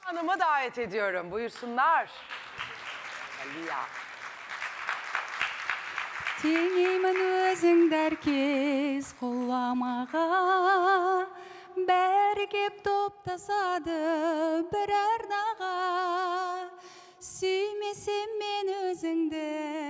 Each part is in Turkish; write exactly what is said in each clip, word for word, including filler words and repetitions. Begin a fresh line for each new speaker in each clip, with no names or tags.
Hanım'ı davet ediyorum. Buyursunlar. Galia.
Теңеймін өзіңді әркез құламаға, бәрі кеп топтасады бір арнаға. Сүймесем мен өзіңді,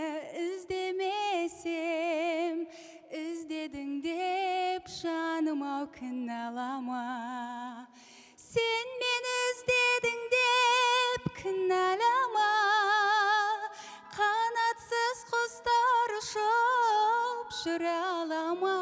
іздемесем, іздедің деп жаным-ау кінәлама. Сен мені іздедің деп кінәлама. Қанатсыз құстар ұшып жүре алама.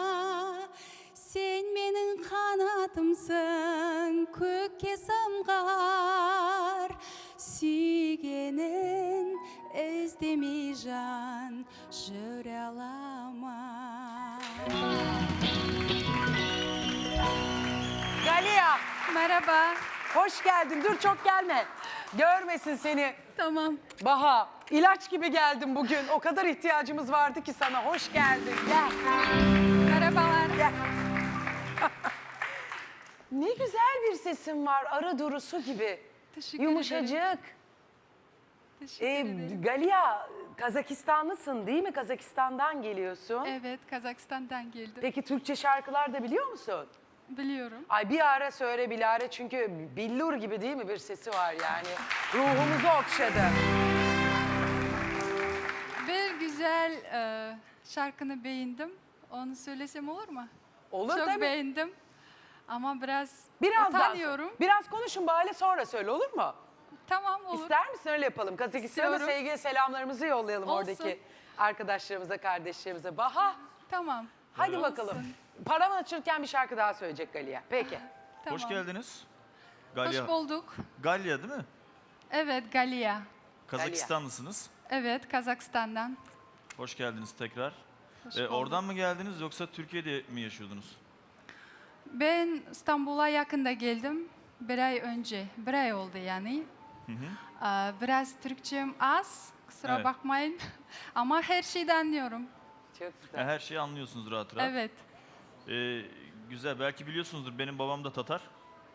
Сен менің қанатымсың, көкке самғар. Сүйгенін іздемей жан жүре алама.
Galia.
Merhaba.
Hoş geldin. Dur çok gelme. Görmesin seni.
Tamam.
Baha, ilaç gibi geldin bugün. O kadar ihtiyacımız vardı ki sana. Hoş geldin. Gel.
Merhabalar.
Gel. Ne güzel bir sesin var. Arı durusu gibi.
Teşekkür
Yumuşacık.
ederim. Teşekkür
Ee,
ederim.
Galia, Kazakistanlısın değil mi? Kazakistan'dan geliyorsun.
Evet, Kazakistan'dan geldim.
Peki Türkçe şarkılar da biliyor musun?
Biliyorum.
Ay bir ara söyle Bilare, çünkü billur gibi değil mi bir sesi var yani. Ruhumuzu okşadı.
Bir güzel e, şarkını beğendim. Onu söylesem olur mu?
Olur
Çok
tabii.
beğendim. Ama biraz
Biraz daha
utanıyorum.
so- Biraz konuşun bari, sonra söyle, olur mu?
Tamam, olur.
İster misin, öyle yapalım. Kazakistan'a
İstiyorum.
sevgi selamlarımızı yollayalım
Olsun.
oradaki arkadaşlarımıza, kardeşlerimize. Baha,
Tamam.
hadi
Olsun.
bakalım. Paravan açılırken bir şarkı daha söyleyecek Galia. Peki.
Tamam.
Hoş geldiniz. Galya.
Hoş bulduk.
Galya değil mi?
Evet, Galia.
Kazakistanlısınız.
Evet, Kazakistan'dan.
Hoş geldiniz tekrar.
Hoş
Ee,
bulduk.
oradan mı geldiniz yoksa Türkiye'de mi yaşıyordunuz?
Ben İstanbul'a yakında geldim. Bir ay önce. Bir ay oldu yani.
Hı hı.
Ee, Biraz Türkçem az. Kusura
Evet.
bakmayın. Ama her şeyi anlıyorum.
Çok
Ha,
güzel.
her şeyi anlıyorsunuz rahat rahat.
Evet.
Ee, güzel. Belki biliyorsunuzdur. Benim babam da Tatar.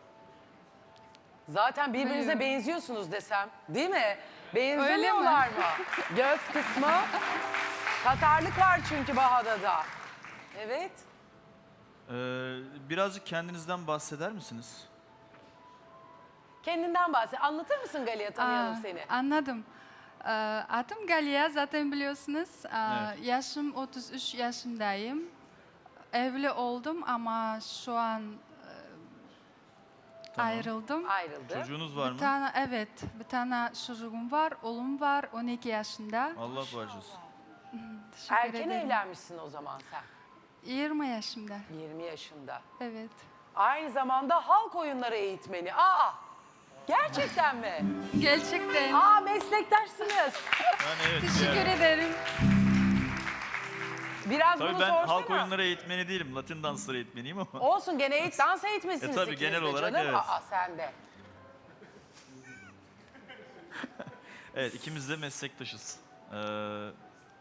Zaten birbirinize
Buyurun.
benziyorsunuz desem, değil mi?
Öyle mi?
Benzemiyorlar mı? Göz kısmı. Tatarlık var çünkü Baha'da da. Evet.
Ee, birazcık kendinizden bahseder misiniz?
Kendinden bahset. Anlatır mısın Galia, tanıyalım
Aa,
seni.
Anladım. Ee, Adım Galia, zaten biliyorsunuz. Ee,
Evet.
Yaşım otuz üç yaşındayım. Evli oldum ama şu an e,
Tamam.
ayrıldım.
Ayrıldı.
Çocuğunuz var
Bir
mı?
tane, evet, bir tane çocuğum var, oğlum var, on iki yaşında.
Allah bağışlasın.
Teşekkür
Erken
ederim.
evlenmişsin o zaman sen.
yirmi yaşında,
yirmi yaşında.
evet.
Aynı zamanda halk oyunları eğitmeni. Aa! Gerçekten mi?
Gerçekten.
Aa, meslektaşsınız.
Yani evet.
Teşekkür
yani.
ederim.
Biraz
Tabii
bunu
ben
sorsana.
halk oyunları eğitmeni değilim. Latin dansları eğitmeniyim ama.
Olsun, gene eğit, dans eğitmesiniz
E, tabii,
ikiniz
genel
de
olarak
canım.
evet.
Aa, sen de.
Evet, ikimiz de meslektaşız. Ee,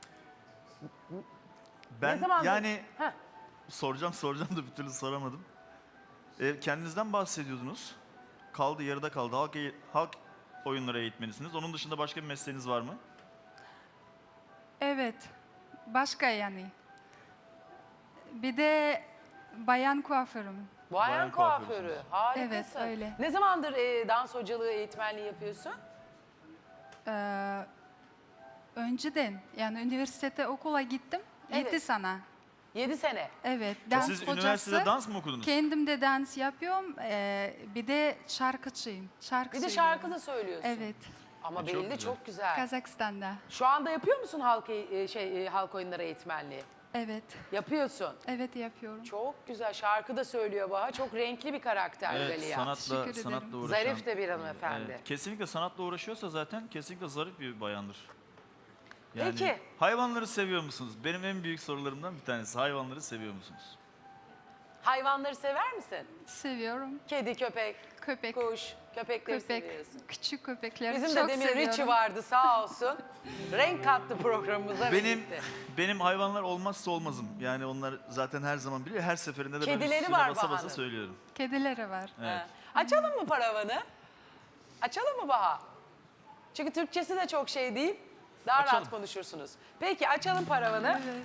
ben
Ne zamandır?
yani
Heh.
soracağım soracağım da bir türlü soramadım. Ee, kendinizden bahsediyordunuz. Kaldı, yarıda kaldı. Halk, eğ- halk oyunları eğitmenisiniz. Onun dışında başka bir mesleğiniz var mı?
Evet, başka yani. Bir de bayan kuaförüm.
Bayan
Bayan
kuaförü.
kuaförsünüz.
Harikasın.
Evet, öyle.
Ne zamandır e, dans hocalığı, eğitmenliği yapıyorsun?
Ee, önceden, yani üniversitede okula gittim,
Evet.
yedi sene.
Yedi sene.
Evet,
Ha,
dans
Siz
hocası.
üniversitede dans mı okudunuz?
Kendim de dans yapıyorum, ee, bir de şarkıcıyım. Şarkı
Bir de
söylüyorum.
şarkı da söylüyorsun.
Evet,
Ama
E, çok
belli
güzel.
çok güzel.
Kazakistan'da.
Şu anda yapıyor musun halk e, şey e, halk oyunları eğitmenliği?
Evet,
Yapıyorsun.
evet yapıyorum.
Çok güzel. Şarkı da söylüyor Baha. Çok renkli bir karakter
Evet,
Galia.
sanatla,
Teşekkür ederim.
sanatla uğraşan.
Zarif de bir hanımefendi.
Evet, kesinlikle sanatla uğraşıyorsa zaten kesinlikle zarif bir bayandır. Yani
Peki.
hayvanları seviyor musunuz? Benim en büyük sorularımdan bir tanesi. Hayvanları seviyor musunuz?
Hayvanları sever misin?
Seviyorum.
Kedi, köpek,
Köpek,
kuş, köpekleri
köpek,
seviyorsun.
küçük köpekleri
Bizim
çok
de demin
seviyorum.
Richie vardı sağ olsun. Renk kattı programımıza.
Benim
birlikte.
benim hayvanlar olmazsa olmazım. Yani onlar zaten her zaman biliyor. Her seferinde de ben
Kedileri
üstüne
var
basa basa
Baha'nın.
söylüyorum.
Kedileri var.
Evet.
Ha. Açalım mı paravanı? Açalım mı Baha? Çünkü Türkçesi de çok şey değil. Daha rahat
Açalım.
konuşursunuz. Peki açalım paravanı.
Evet.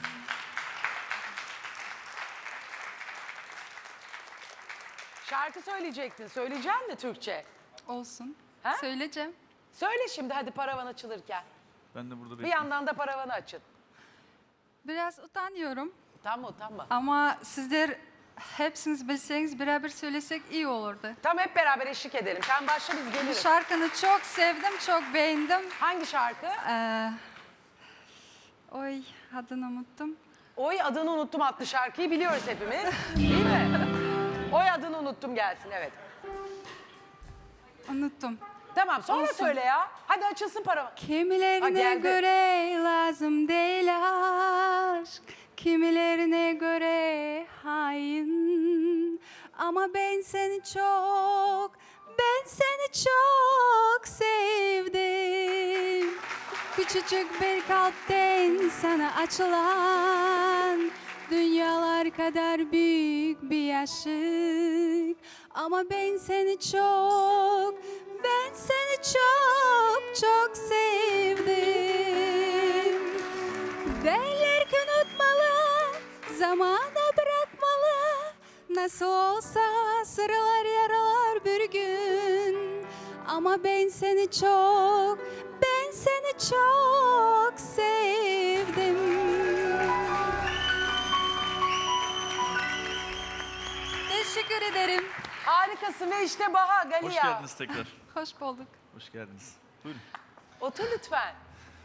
Şarkı söyleyecektin. Söyleyeceksin mi Türkçe?
Olsun.
Ha?
Söyleyeceğim.
Söyle şimdi hadi paravan açılırken.
Ben de burada
Bir
bekliyorum.
yandan da paravanı açın.
Biraz utanıyorum
Utanma utanma.
ama sizler hepsiniz bilseniz beraber söylesek iyi olurdu.
Tam hep beraber eşlik edelim. Sen başla biz
Bu
geliriz.
şarkını çok sevdim, çok beğendim.
Hangi şarkı?
Ee, oy, adını unuttum.
Oy adını unuttum adlı şarkıyı biliyoruz hepimiz. Değil mi? Oy adını unuttum gelsin evet.
Unuttum.
Tamam sonra
Olsun.
söyle ya. Hadi açılsın paravan. Ha,
Kimilerine
geldi.
göre lazım değil aşk, kimilerine göre hain. Ama ben seni çok, ben seni çok sevdim. Küçücük bir kalpten sana açılan dünyalar kadar büyük bir aşık. Ama ben seni çok, ben seni çok çok sevdim. Derler ki unutmalı, zamana bırakmalı. Nasıl olsa sıralar yaralar bir gün. Ama ben seni çok, ben seni çok sevdim. Teşekkür ederim.
Harikasın ve işte Baha Galia.
Hoş geldiniz tekrar.
Hoş bulduk.
Hoş geldiniz. Buyurun.
Otur lütfen.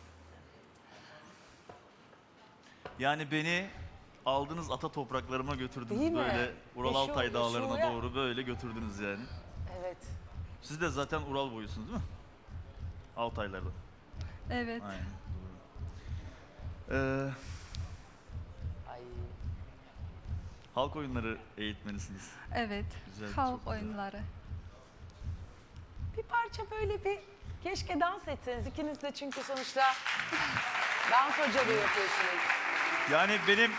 Yani beni aldınız ata topraklarıma götürdünüz.
Değil mi?
Böyle Ural
Meşhur,
Altay dağlarına
meşhur ya.
doğru böyle götürdünüz yani.
Evet.
Siz de zaten Ural boyusunuz değil mi? Altaylardan.
Evet.
Aynen. Doğru. Ee,
Ay.
halk oyunları eğitmenisiniz.
Evet.
Güzel,
Halk
çok güzel.
oyunları.
Bir parça böyle bir keşke dans etseniz ikiniz de çünkü sonuçta dans hocalığı yapıyorsunuz.
Yani benim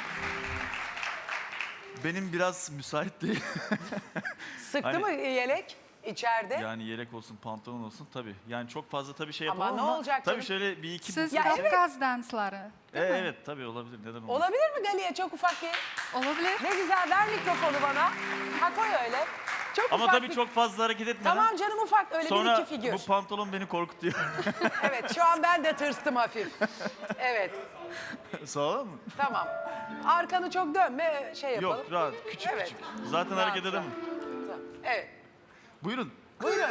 benim biraz müsait değil.
Sıktı
Hani-
mı yelek içeride?
Yani yelek olsun, pantolon olsun tabii. Yani çok fazla tabii şey
Ama
yapamam
ne
ama,
olacak
tabii
canım?
şöyle bir iki
Siz
Ya
Kafkas dansları.
E, evet tabii olabilir. Neden olmasın?
Olabilir mi Galia çok ufak bir?
Olabilir.
Ne güzel ver mikrofonu bana. Ha koy öyle. Çok
Ama
ufak
tabii
bir...
çok fazla hareket etmeden.
Tamam canım ufak öyle bir
Sonra
iki figür.
bu pantolon beni korkutuyor.
Evet şu an ben de tırstım hafif. Evet
Sağ ol mı?
tamam. Arkanı çok dönme şey yapalım.
Yok rahat, küçük
Evet.
küçük. Zaten
Rahat,
hareket edemem.
Tamam. Evet
Buyurun.
buyurun.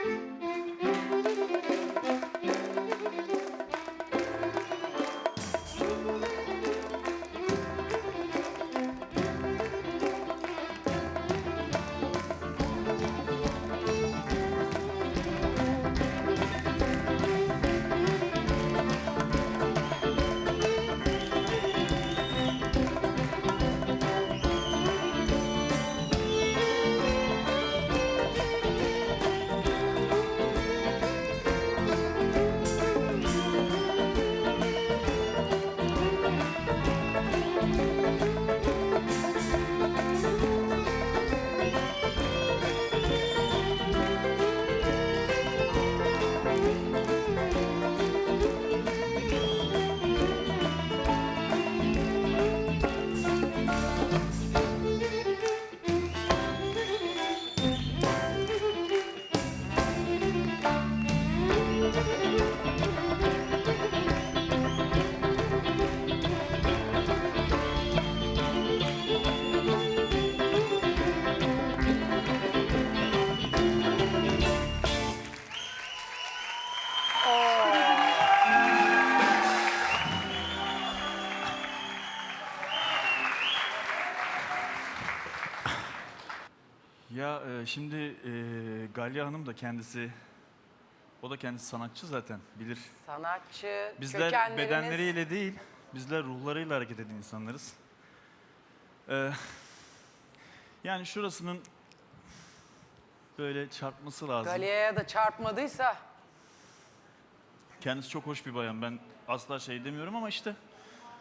Ya e, şimdi e, Galya Hanım da kendisi, o da kendisi sanatçı zaten bilir.
Sanatçı,
Bizler
kökenleriniz-
bedenleriyle değil, bizler ruhlarıyla hareket eden insanlarız. Ee, yani şurasının böyle çarpması lazım.
Galia'ya da çarpmadıysa
Kendisi çok hoş bir bayan. Ben asla şey demiyorum ama işte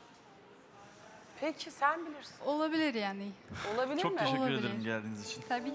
peki sen bilirsin.
Olabilir yani.
Olabilir
çok
mi?
teşekkür
Olabilir.
ederim geldiğiniz için.
Tabii